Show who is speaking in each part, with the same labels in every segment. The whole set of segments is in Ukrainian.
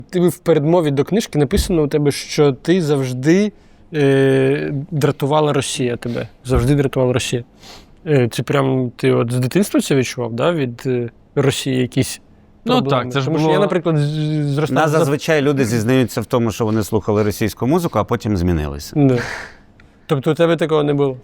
Speaker 1: Ти в передмові до книжки написано у тебе, що ти завжди дратувала Росія тебе. Завжди дратувала Росія. Це прям ти от з дитинства це відчував, да? Від Росії якісь проблеми?
Speaker 2: Ну так, це ж
Speaker 1: Тому
Speaker 2: було...
Speaker 1: що я, наприклад, зростав...
Speaker 3: Нас зазвичай люди зізнаються в тому, що вони слухали російську музику, а потім змінилися.
Speaker 1: Да. Тобто у тебе такого не було?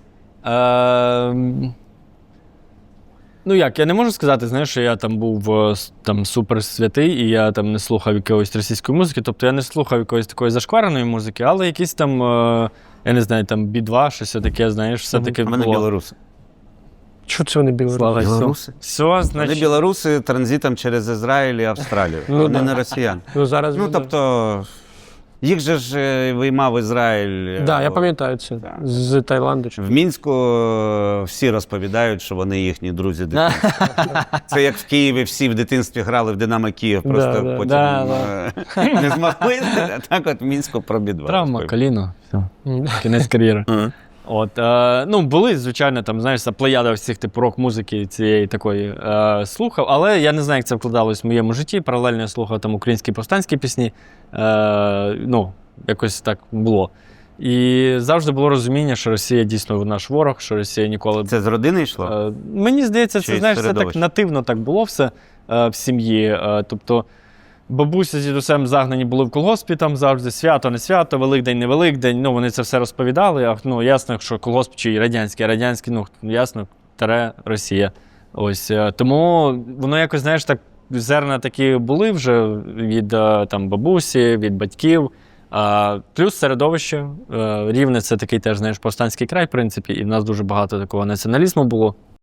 Speaker 2: Ну як, я не можу сказати, знаєш, що я там був там супер святий і я там не слухав якоїсь російської музики. Тобто я не слухав якоїсь такої зашквареної музики, але якісь там, я не знаю, там B2, щось таке, знаєш, все-таки було.
Speaker 3: Вони білоруси.
Speaker 1: Чого це вони білоруси?
Speaker 2: Слава Ісусу.
Speaker 3: Білоруси?
Speaker 2: Все,
Speaker 3: Вони
Speaker 2: значить...
Speaker 3: білоруси транзитом через Ізраїль і Австралію. Вони не росіяни.
Speaker 1: Ну, зараз
Speaker 3: Ну,
Speaker 1: буде.
Speaker 3: тобто, їх же ж виймав Ізраїль.
Speaker 1: Да, я пам'ятаю це. З Таїланду.
Speaker 3: В Мінську всі розповідають, що вони їхні друзі дитинства. Це як в Києві всі в дитинстві грали в Динамо Київ, просто
Speaker 1: да,
Speaker 3: потім
Speaker 2: да.
Speaker 3: не змогли. А так от в Мінську про B2.
Speaker 2: Травма, коліно, все, кінець кар'єри. От, ну, були, звичайно, там, знаєш, плеяда всіх типу рок-музики цієї такої слухав, але я не знаю, як це вкладалось в моєму житті. Паралельно я слухав там українські повстанські пісні. Ну, якось так було. І завжди було розуміння, що Росія дійсно наш ворог, що Росія ніколи...
Speaker 3: Це з родини йшло?
Speaker 2: Мені здається,
Speaker 3: Чи
Speaker 2: це, знаєш, це так
Speaker 3: середовище?
Speaker 2: нативно так було все в сім'ї. Тобто, бабуся з дідусем загнані були в колгоспі, там завжди свято, не свято, Великдень, не Великдень. Ну, вони це все розповідали. А, ну, ясно, що колгосп чи радянський, ну, ясно, Росія. Ось. Тому воно якось, знаєш, так, зерна такі були вже від там, бабусі, від батьків. Плюс середовище. Рівне це такий теж, знаєш, повстанський край, в принципі, і в нас дуже багато такого націоналізму було.